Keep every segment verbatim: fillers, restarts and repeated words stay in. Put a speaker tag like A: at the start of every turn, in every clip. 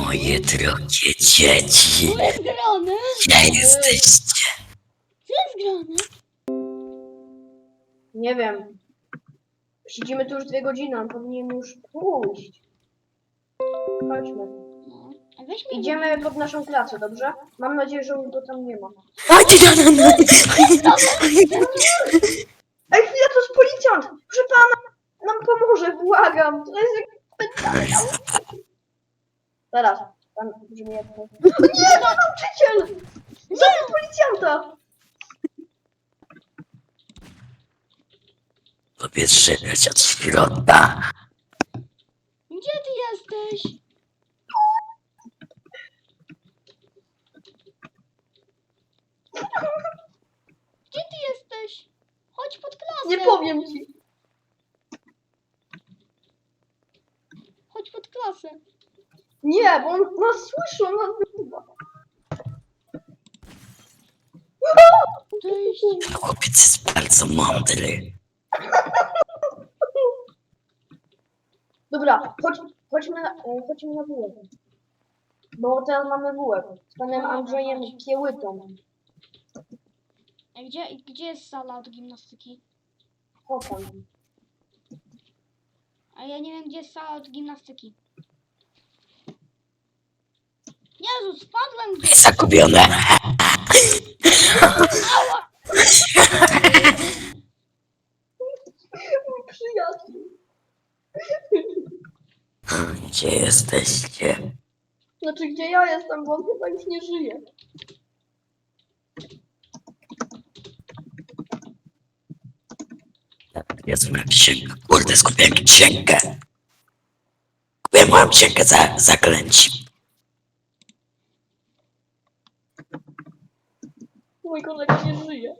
A: Moje drogie dzieci,
B: Co jest grane?
A: gdzie jesteście?
B: Co jest grane?
C: Nie wiem. Siedzimy tu już dwie godziny, on powinien już pójść. Chodźmy.
B: No, a weź mi
C: Idziemy pod naszą klasę, dobrze? Mam nadzieję, że go tam nie ma.
A: A ty no, no, no.
C: Ej, chwila, to jest policjant! Proszę pana, nam pomoże, błagam. To jest jak... Zaraz, pan brzmi jak... O nie, to nauczyciel! Zabił policjanta!
A: Powiedz szukać od środka.
B: Gdzie ty jesteś? Gdzie ty jesteś? Chodź pod klasę.
C: Nie powiem ci.
B: Chodź pod klasę.
C: Nie, bo on nas słyszy, on nas wyczuwa.
B: Cześć.
A: Ten chłopiec jest bardzo mądry.
C: Dobra, chodź, chodźmy na, e, chodźmy na bułek. Bo teraz mamy bułek. Z panem Andrzejem Kiełytą.
B: A gdzie, gdzie jest sala od gimnastyki?
C: Chopin.
B: A ja nie wiem, gdzie jest sala od gimnastyki. Jezu, spadłem gdzieś.
A: Zagubione.
C: Mój przyjaciel.
A: Gdzie jesteście?
C: Znaczy, gdzie ja jestem, bo on chyba już nie żyje.
A: Jest moja księga. Kurde, skupiłem księgę. Kupiłem moją księgę za zaklęci.
C: Mój kolega nie żyje.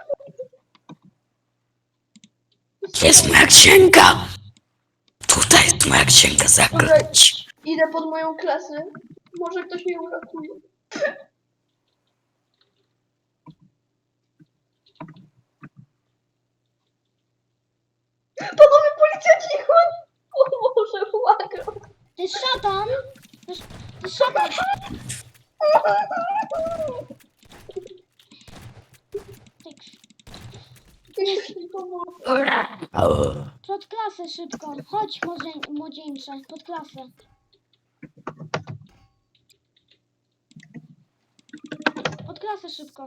A: Gdzie jest moja księga? Tutaj jest moja księga zaklęci.
C: Idę pod moją klasę. Może ktoś mnie uratuje. Panowie policjanci, chodź! O Boże, błagam.
B: To jest szatan. To jest, to jest szatan.
C: Ktoś mi pomoże.
A: O,
B: Pod klasę szybko. Chodź, młodzie- młodzieńcze. Pod klasę. Pod klasę szybko.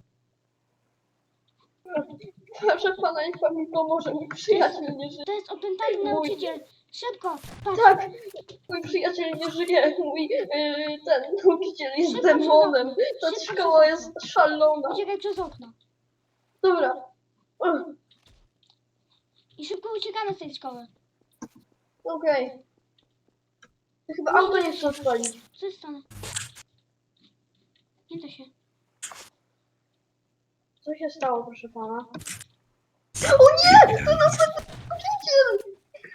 C: Proszę pana, niech pan mi pomoże. Mój przyjaciel nie żyje.
B: To jest opętany nauczyciel. Szybko. Patrz.
C: Tak, mój przyjaciel nie żyje. Mój yy, ten nauczyciel jest
B: Szybko,
C: demonem.
B: szybko,
C: Ta
B: szybko,
C: szkoła
B: szybko.
C: jest szalona.
B: Uciekaj przez okno.
C: Dobra. Ugh,
B: I szybko uciekamy z tej szkoły.
C: Okej. Chyba auto nie chce odpalić.
B: Co jest stane? Nie da się.
C: Co się stało, proszę pana? O nie! To następny nauczyciel!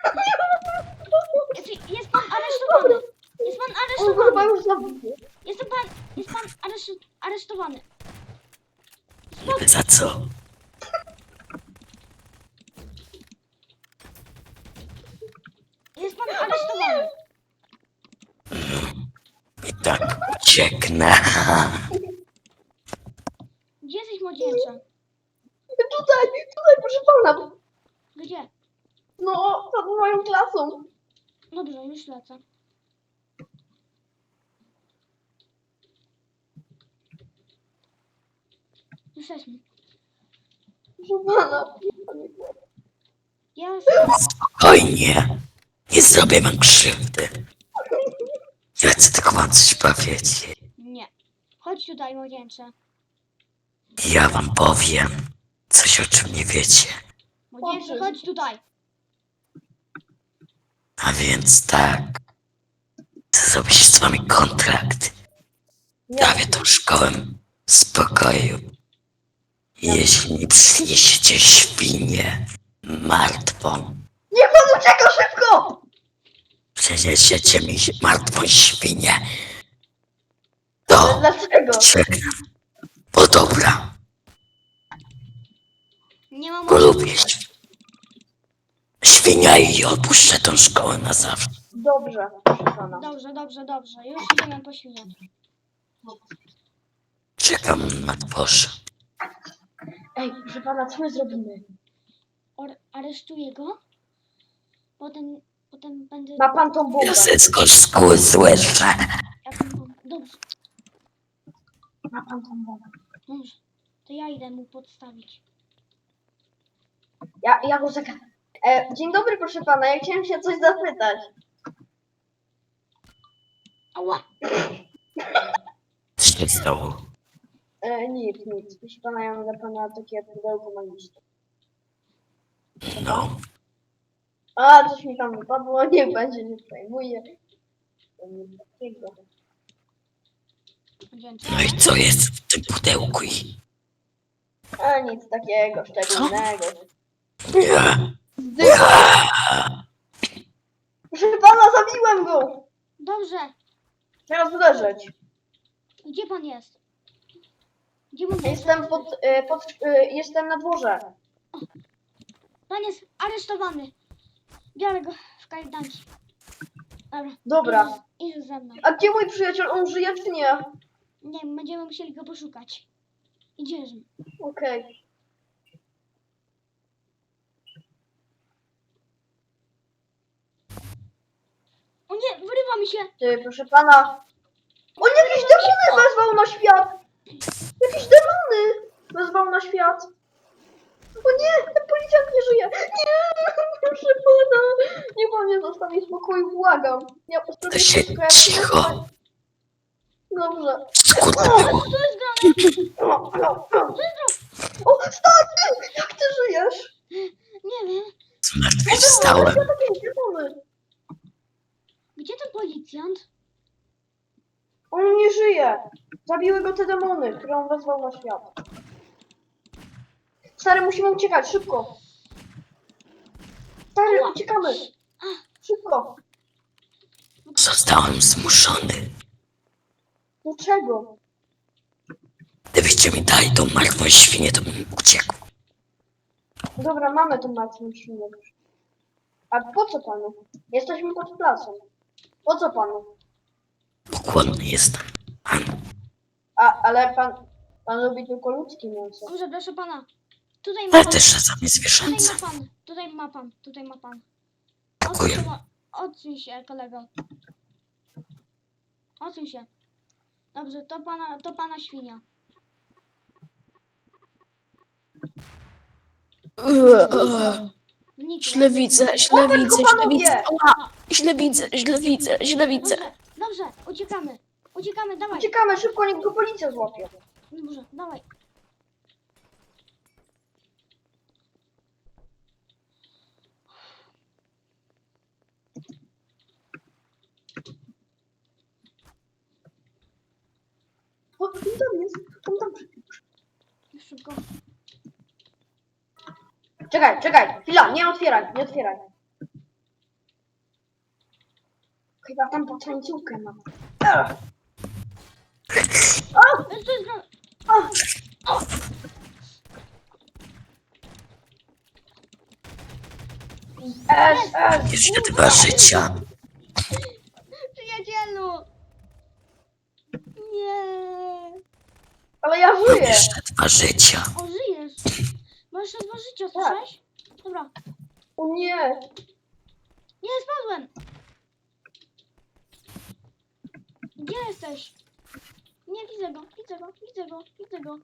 B: Jest, jest pan aresztowany. Jest pan
C: On go chyba
B: aresztowany.
C: już zabił.
B: Jest pan, jest pan areszt, aresztowany.
A: za co?
B: Jest pan aresztowany.
A: I tak ucieknę.
B: Gdzie jesteś, młodzieńcze?
C: Tutaj, tutaj, proszę pana.
B: Gdzie?
C: No, pod moją klasą.
B: Dobrze, już lecę. Już jesteśmy.
C: Proszę pana.
B: Ja
A: Spokojnie. Nie zrobię wam krzywdy. Ja chcę tylko wam coś powiedzieć.
B: nie. Chodź tutaj, młodzieńcze.
A: Ja wam powiem coś, o czym nie wiecie.
B: Młodzieńcze, chodź tutaj.
A: A więc tak. Chcę zrobić z wami kontrakt. Dawię tą szkołę w spokoju. Jeśli nie przyniesiecie świnię martwą,
C: Niech pan ucieka szybko!
A: przyniesiecie mi martwą świnię,
C: Ale
A: to
C: dlaczego?
A: czekam. Bo dobra,
B: Nie mam
A: bo lubię św- świnia i opuszczę tą szkołę na zawsze.
C: Dobrze, proszę pana.
B: Dobrze, dobrze, dobrze. Już idziemy po świniak.
A: Czekam na dworze.
C: Ej, proszę pana, co my zrobimy?
B: Or aresztuję go. Potem, potem będę...
C: Ma pan tą bombę.
A: Dziecko z szkoły złeże.
B: Jaką mam- Dobrze,
C: Ma pan tą bombę.
B: dobrze. To ja idę mu podstawić.
C: Ja, ja go zagadam. E, dzień dobry, proszę pana, ja chciałem się coś zapytać.
B: Ała!
A: Co się stało?
C: E, nic, nic. Proszę pana, ja mam dla pana takie pudełko magiczne.
A: No,
C: A, coś mi tam wypadło, nie będzie, nie przejmuję. To nic takiego.
B: Dzięki.
A: no i co jest w tym pudełku? I...
C: A, nic takiego szczególnego.
A: Nie.
C: Proszę pana, zabiłem go!
B: Dobrze.
C: Teraz uderzyć.
B: Gdzie pan jest? Gdzie pan jest?
C: Jestem pod, e, pod, e, jestem na dworze.
B: Pan jest aresztowany. Biorę go w kajdanki. Dobra.
C: Dobra.
B: Idź, idź ze mną.
C: A gdzie mój przyjaciel? On żyje czy nie?
B: Nie wiem, będziemy musieli go poszukać. Idziesz.
C: Okej.
B: O nie, wyrywa mi się.
C: Ty, proszę pana. On jakieś demony wezwał na świat! Jakieś demony wezwał na świat. O nie, ten policjant nie żyje. Nie, proszę pana. Nie pan mnie zostawi w spokoju, błagam. Ja
A: To
C: postawię
A: się
C: wszystko, jak
A: cicho.
C: Dobrze.
A: Kurde było.
B: Co jest grane?
C: O, o, o. O, stary! Jak ty żyjesz?
B: Nie wiem.
A: Zmartwychwstałem.
C: Ja takie demony.
B: Gdzie ten policjant?
C: On nie żyje. Zabiły go te demony, które on wezwał na świat. Stary, musimy uciekać, szybko. Stary, uciekamy. Szybko.
A: Zostałem zmuszony.
C: Dlaczego?
A: Gdybyście mi dali tą martwą świnię, to bym uciekł.
C: Dobra, mamy tą martwą świnię. A po co panu? Jesteśmy pod placem. Po co panu?
A: Pokłonny jestem. Pan,
C: A, ale pan, pan lubi tylko ludzkie mięso.
B: Dobrze, proszę pana. Tutaj ma
A: ale
B: pan.
A: też czasami
B: Tutaj
A: zwierzęce.
B: ma pan. Tutaj ma pan. Tutaj ma pan.
A: Dziękuję.
B: Odsuń się, odsuń się, kolego. Odsuń się. Dobrze, to pana, to pana świnia. Zniknę.
D: Źle widzę, źle
C: O, tylko
D: widzę, źle
C: panowie!
D: widzę. Ała! Źle widzę, źle widzę, źle widzę.
B: Dobrze, dobrze, uciekamy. Uciekamy, dawaj.
C: Uciekamy szybko, niech go policja złapie.
B: Dobrze, dawaj.
C: O, on tam jest, on tam.
B: Już szybko.
C: Czekaj, czekaj, chwila, nie otwieraj, nie otwieraj. Chyba tam potańcówkę ma. Ech,
B: Co jest grane?
C: ech, ech.
A: Jeszcze dwa życia.
B: Przyjacielu! Nie.
C: Ale ja
A: Mam
C: żyję.
A: jeszcze dwa życia.
B: O, żyjesz. Masz jeszcze dwa życia, słyszałeś? Dobra.
C: O nie.
B: Nie, spadłem. Gdzie jesteś? Nie, widzę go, widzę go, widzę go, widzę go.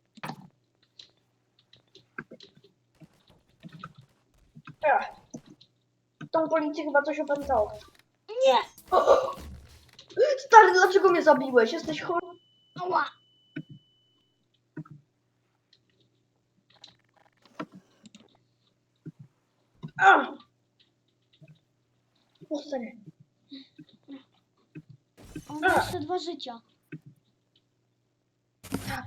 C: Ech. Tą policję chyba coś opętało.
B: Nie!
C: Stary, dlaczego mnie zabiłeś? Jesteś chory?
B: Ała!
C: Ach. O, stary.
B: On ma jeszcze dwa życia.
C: Tak.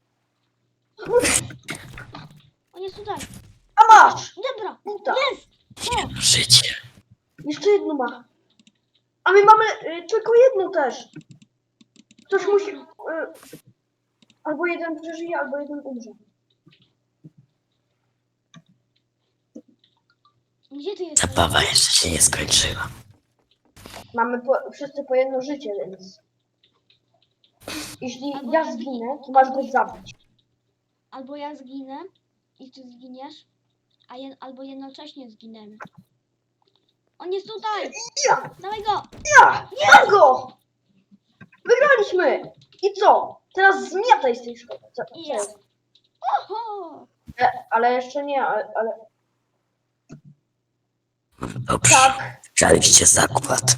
B: On jest tutaj.
C: A masz!
B: Dobra,
C: Buta.
B: jest! O,
A: Jedno życie.
C: Jeszcze jedno ma. A my mamy y, tylko jedno też. Ktoś musi... Y, albo jeden przeżyje, albo jeden umrze.
B: Gdzie ty jesteś?
A: Zabawa jeszcze się nie skończyła.
C: Mamy po, wszyscy po jedno życie, więc... Jeśli
B: Albo
C: ja
B: ja
C: zginę, to masz go zabić.
B: Albo ja zginę i ty zginiesz, a je, albo jednocześnie zginiemy. On jest tutaj!
C: Ja!
B: Dawaj go!
C: Ja! Mam go! Wygraliśmy! I co? Teraz zmiataj z tej szkoły. Co, co
B: Ja.
C: jest?
B: Oho!
C: E, ale jeszcze nie, ale... ale...
A: Dobrze.
C: Tak.
A: Żaliście zakład.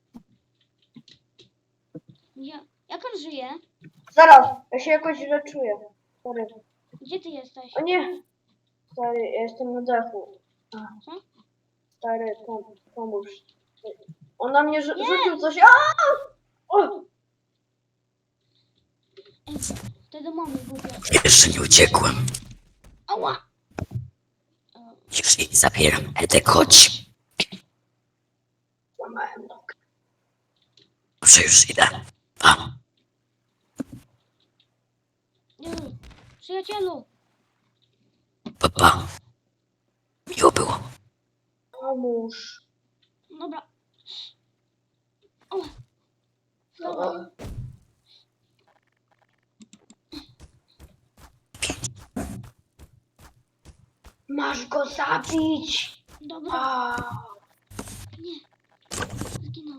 B: Ja, jak on żyje?
C: Zaraz, ja się jakoś źle czuję. Sorry.
B: Gdzie ty jesteś?
C: O nie! Stary, ja jestem na dachu. A,
B: Co?
C: stary, pom pomóż. On na mnie rzu-
B: Nie!
C: rzucił coś. Aaaa! O!
B: Ej, wtedy mamy głupie.
A: Jeszcze nie uciekłem.
B: Ała! O,
A: Już jej zabieram. Edek, chodź.
C: Złamałem nogę.
A: Dobrze, już idę. A,
B: nie. Przyjacielu!
A: pa, pa. Miło było.
C: Pomóż.
B: Dobra. O,
C: O. Masz go zabić!
B: dobra.
C: A.
B: Nie. Zginął.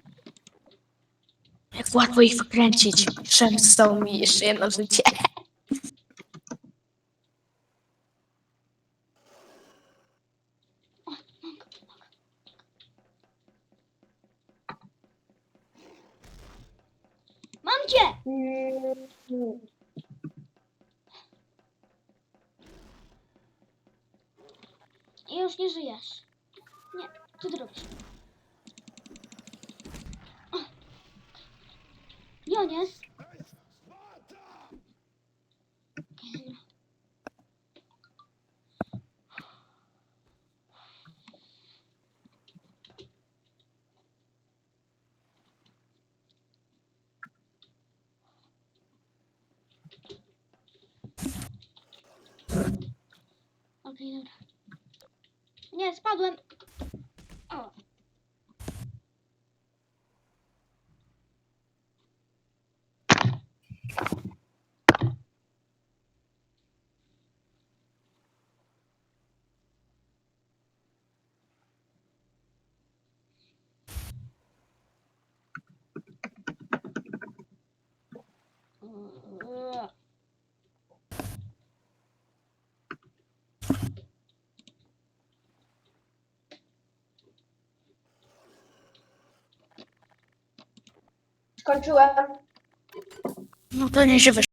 D: Jak łatwo ich wykręcić. Szem zostało mi jeszcze jedno życie.
B: Mam cię!
C: Mm.
B: I już nie żyjesz. Nie, co ty robisz? O. Gdzie on jest? Okej, dobra. Nie, spadłem. O. Eee.
C: Skończyłem.
D: No to nie żywe